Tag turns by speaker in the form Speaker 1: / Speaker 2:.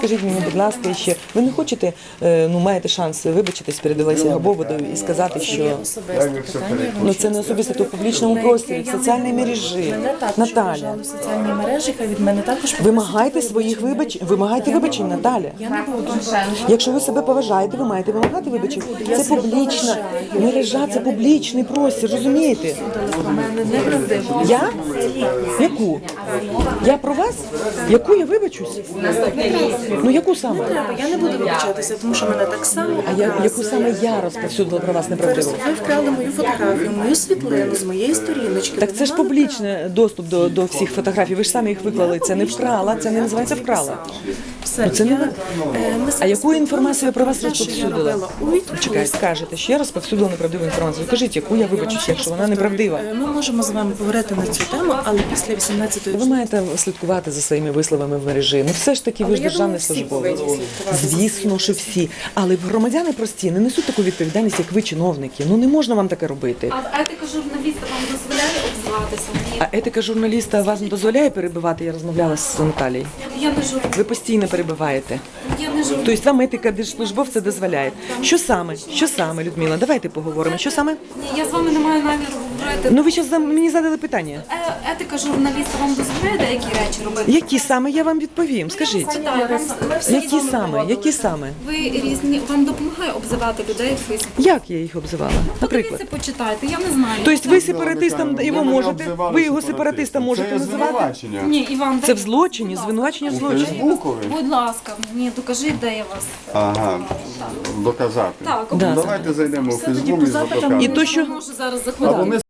Speaker 1: Скажіть мені, будь ласка, ще ви не хочете, маєте шанс вибачитись перед Олесією Габоводою і сказати, що це не особисто, то в публічному просторі, в соціальній мережі. Наталя,
Speaker 2: в соціальній мережі, хай від мене також
Speaker 1: вимагайте своїх вибачень, Наталя.
Speaker 2: Я не буду.
Speaker 1: Якщо ви себе поважаєте, ви маєте вимагати вибачень. Це публічна мережа, це публічний простір, розумієте?
Speaker 2: У мене неправдиво.
Speaker 1: Я? Яку? Я про вас? Яку я вибачусь? Ну яку саме?
Speaker 2: Я не буду вибачатися, тому що мене так само.
Speaker 1: А яку саме я розповсюдила про вас неправдиво?
Speaker 2: Ви вкрали мою фотографію, мою світлину з моєї сторіночки.
Speaker 1: Так це ж публічний доступ до всіх фотографій. Ви ж самі їх виклали. Це не вкрала, це не називається вкрала.
Speaker 2: Все,
Speaker 1: це не ви. А яку інформацію я про вас
Speaker 2: Те, що я
Speaker 1: розповсюдила?
Speaker 2: робила у відпустці.
Speaker 1: Чекай, скажете, що я розповсюдила неправдиву інформацію. Кажіть, яку я вибачусь, якщо вона неправдива.
Speaker 2: Ми можемо з вами поговорити на цю тему, але після 18-ї.
Speaker 1: Ви маєте слідкувати за своїми висловами в мережі. Ну все ж таки, ви ж
Speaker 2: я
Speaker 1: державний
Speaker 2: думаю, всі
Speaker 1: службовець.
Speaker 2: повинні слідкувати.
Speaker 1: Звісно, що всі. Але громадяни прості не несуть таку відповідальність, як ви, чиновники. Ну не можна вам таке робити.
Speaker 3: А етика журналіста вам дозволяє обзиватися? Ні.
Speaker 1: А етика журналіста вас не дозволяє перебивати? Я розмовляла з Наталією.
Speaker 3: Я не журналіст.
Speaker 1: Ви постійно перебиваєте.
Speaker 3: Я не журналіст.
Speaker 1: Тобто вам етика держслужбовця дозволяє. Що саме? Що саме, Людмила? Давайте поговоримо. Що саме?
Speaker 3: Ні, я з вами не маю наміру говорити.
Speaker 1: Ну ви зараз мені задали питання.
Speaker 3: Етика журналіста вам дозволяє деякі речі робити?
Speaker 1: Які саме я вам відповім? Скажіть.
Speaker 3: Питаю,
Speaker 1: Які саме? Які саме?
Speaker 3: ви різні, вам допомагає обзивати людей в Фейсбуці?
Speaker 1: Як я їх обзивала? Наприклад.
Speaker 3: Подивіться, почитайте, я не знаю.
Speaker 1: Тобто ви сепаратистам його можете, ви його сепаратистом можете
Speaker 4: Це є
Speaker 1: називати?
Speaker 4: звинувачення.
Speaker 3: Ні, Іван,
Speaker 1: Це в
Speaker 3: дайте,
Speaker 1: злочині,
Speaker 3: будь ласка.
Speaker 1: звинувачення в
Speaker 4: У
Speaker 1: злочині.
Speaker 4: Фейсбукові?
Speaker 3: Будь ласка, мені докажіть, де я вас.
Speaker 4: Ага, доказати.
Speaker 3: Так,
Speaker 1: Да.
Speaker 4: Давайте зайдемо у
Speaker 2: Все, тоді
Speaker 4: Фейсбук
Speaker 2: по
Speaker 4: і
Speaker 2: запитам
Speaker 4: задокажемо.
Speaker 1: І то, що
Speaker 3: можу зараз
Speaker 4: Або
Speaker 3: заходити.
Speaker 4: ми